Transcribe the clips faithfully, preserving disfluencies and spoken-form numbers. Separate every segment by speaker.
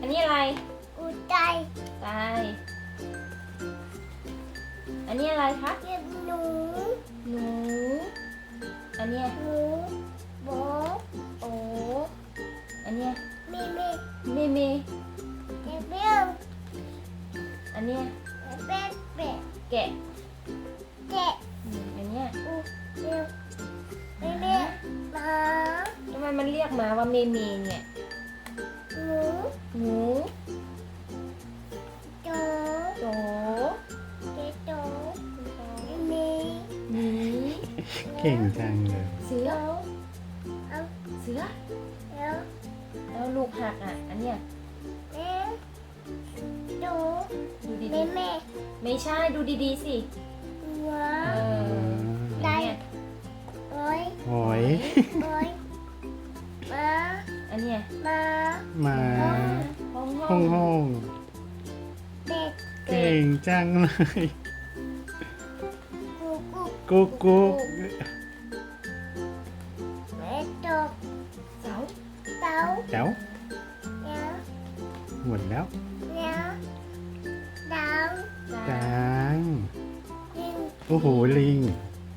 Speaker 1: อันนี้อะไร
Speaker 2: อูใจ
Speaker 1: ไก่อันนี้อะไรคะ
Speaker 2: เก็บหนู
Speaker 1: หนูอันเนี้ย
Speaker 2: หนูโบ
Speaker 1: โออันเนี้ย
Speaker 2: เมเม
Speaker 1: เมเม
Speaker 2: เก็บเบี้ยว
Speaker 1: อันเนี้ย
Speaker 2: เป็ดเป็ด
Speaker 1: แกะ
Speaker 2: แกะ
Speaker 1: อืมอันเนี้ย
Speaker 2: อูเบี้ยวเมเมหมา
Speaker 1: ทำไมมันเรียกหมาว่าเมเมเนี่ย
Speaker 2: หนู
Speaker 1: หนู
Speaker 2: โจ
Speaker 1: โจ
Speaker 2: เจ๊โจเมเม
Speaker 1: หมี
Speaker 3: เก่งจังเลย
Speaker 1: เสือ
Speaker 2: เอา
Speaker 1: เสือ
Speaker 2: แล้ว
Speaker 1: แล้วลูกหักอ่ะ อันเนี้ย
Speaker 2: แม่ดู
Speaker 1: ดูดี
Speaker 2: แม่แม่
Speaker 1: ๆไม่ใช่ดูดีๆสิ
Speaker 2: หัว
Speaker 1: เอออันเนี้ย
Speaker 2: โอ้ย
Speaker 3: หอย
Speaker 2: โอ้ยมา
Speaker 1: อันเนี้ย
Speaker 2: มา
Speaker 3: มา
Speaker 1: ห้องห้
Speaker 3: ห้
Speaker 1: อ
Speaker 3: อง งห้อง
Speaker 2: เด็ก
Speaker 3: เก่งจังเลย
Speaker 2: กูกู
Speaker 3: กุ๊กกุ๊ก
Speaker 2: แม่ตก
Speaker 1: เสา
Speaker 2: เต้า
Speaker 3: แจ๋ว
Speaker 2: เนี้ย
Speaker 3: หมดแล้ว
Speaker 2: เนี้ยดาว
Speaker 1: จา
Speaker 3: จัง
Speaker 2: ยิง
Speaker 3: โอ้โหลิง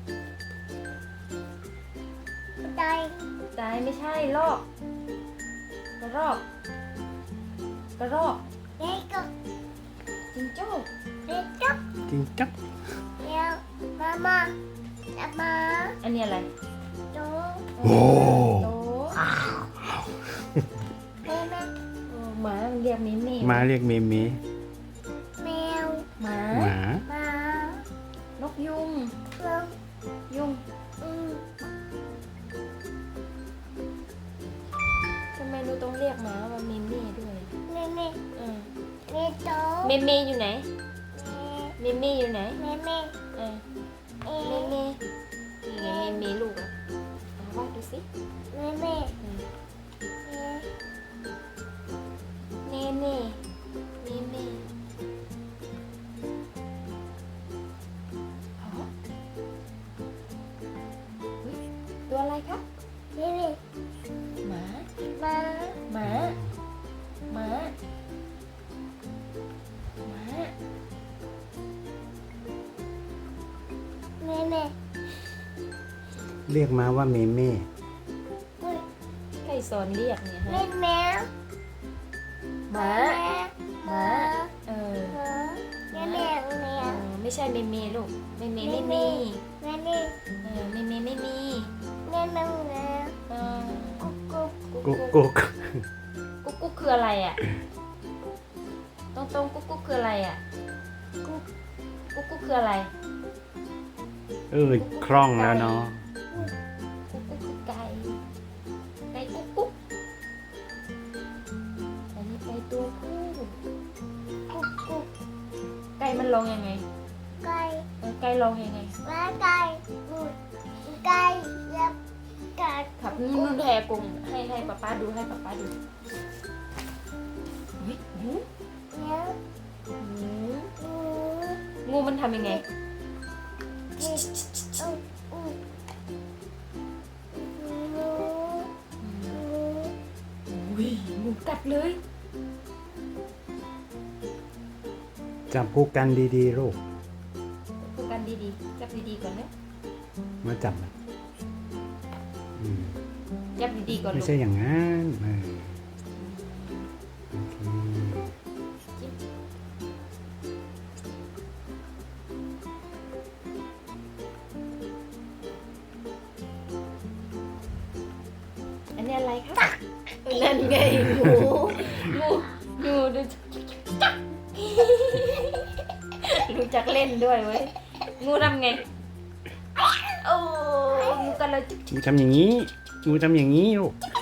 Speaker 2: ใจ
Speaker 1: ตายไม่ใช่ลอกกระรอกกระรอก
Speaker 2: เด็กก็
Speaker 1: จิงโจ้
Speaker 2: เด็กก็
Speaker 3: จริงจัก
Speaker 2: เนี้ยมามาจับมา
Speaker 1: อันนี้อะไร
Speaker 2: โต
Speaker 3: โอ้
Speaker 1: โต
Speaker 2: แม่แม่
Speaker 1: เออหมามันเรียกมิมี่
Speaker 3: มาเรียกเมเม
Speaker 2: แมว
Speaker 1: หมา
Speaker 3: หมา
Speaker 2: มาน
Speaker 1: กยุง
Speaker 2: เพิ่ม
Speaker 1: ยุง
Speaker 2: อืม
Speaker 1: ทำไมเราต้องเรียกหมาว่ามิมี่ด้วย
Speaker 2: แม่แม่
Speaker 1: เออ
Speaker 2: แม่โต
Speaker 1: เมเมอยู่ไหนเมเมอยู่ไหน
Speaker 2: แม่แม่
Speaker 1: เออ
Speaker 2: เอ๊
Speaker 1: เมเมนี่ไงเมเมลูกอ่ะเอาวาดดูสิ
Speaker 2: แม่แม่
Speaker 1: เออ
Speaker 2: เอ๊ะ
Speaker 1: เนเน่เมเมอ๋อเฮ้ยตัวอะไรครับ
Speaker 2: แม่แม่
Speaker 1: หมา
Speaker 2: มา
Speaker 1: หมาหมาหมา
Speaker 2: แม่แม่
Speaker 3: เรียกมาว่าเมเม
Speaker 2: อุ้ย
Speaker 1: ใครสอนเรียกเนี่ย
Speaker 2: แม่
Speaker 1: ฮะ
Speaker 2: แม่
Speaker 1: หมา
Speaker 2: หมา
Speaker 1: เออ
Speaker 2: แม่แม่แม่
Speaker 1: เออไม่ใช่เมเมลูกเมเมไม่มี
Speaker 2: แม่แม่
Speaker 1: เออเมเมไม่มี
Speaker 2: แม่แม่แม่
Speaker 1: เออ
Speaker 2: กุ๊กกุ๊ก
Speaker 3: กุ๊กกุ๊ก
Speaker 1: กุ๊กกุ๊กคืออะไรอ่ะตรงตรงกุ๊กกุ๊กคืออะไรอ่ะ
Speaker 2: กุ๊ก
Speaker 1: กุ๊กกุ๊กคืออะไร
Speaker 3: เออคล่องแล้วเนาะ
Speaker 1: กุ๊กกุ๊กคือไก่ไก่กุ๊กกุ๊กอันนี้ไก่ตัวผู้
Speaker 2: กุ๊กกุ๊ก
Speaker 1: ไก่มันร้องยังไง
Speaker 2: ไก่
Speaker 1: เออไก่ร้องยังไง
Speaker 2: ว่าไก่กุ๊กไก่ยับไก่
Speaker 1: ครับนี่มึงแพรกงให้ให้ป้าป้าดูให้ป้าป้าดูเฮ้ยงู
Speaker 2: เนี่ย
Speaker 1: งู
Speaker 2: งู
Speaker 1: งูมันทำยังไง
Speaker 2: เด็กอู้อู้งู งู
Speaker 1: อุ้ยงูกัดเลย
Speaker 3: จับคู่กันดีๆลูก
Speaker 1: พูดกันดีๆจับดีๆก่อนนะ
Speaker 3: มาจับมันอืม
Speaker 1: จับดีๆก่อน
Speaker 3: ไม่
Speaker 1: ลูก
Speaker 3: ใช่อย่างนั้นเออโอเค
Speaker 1: อันนี้อะไรคะนั่นไงงูงูงูดูจักรู้จักเล่นด้วยเว้ยงูทำไงโอ้งูกันเลย
Speaker 3: งูทำอย่างนี้งูทำอย่างนี้ลูก
Speaker 1: จิ๊ก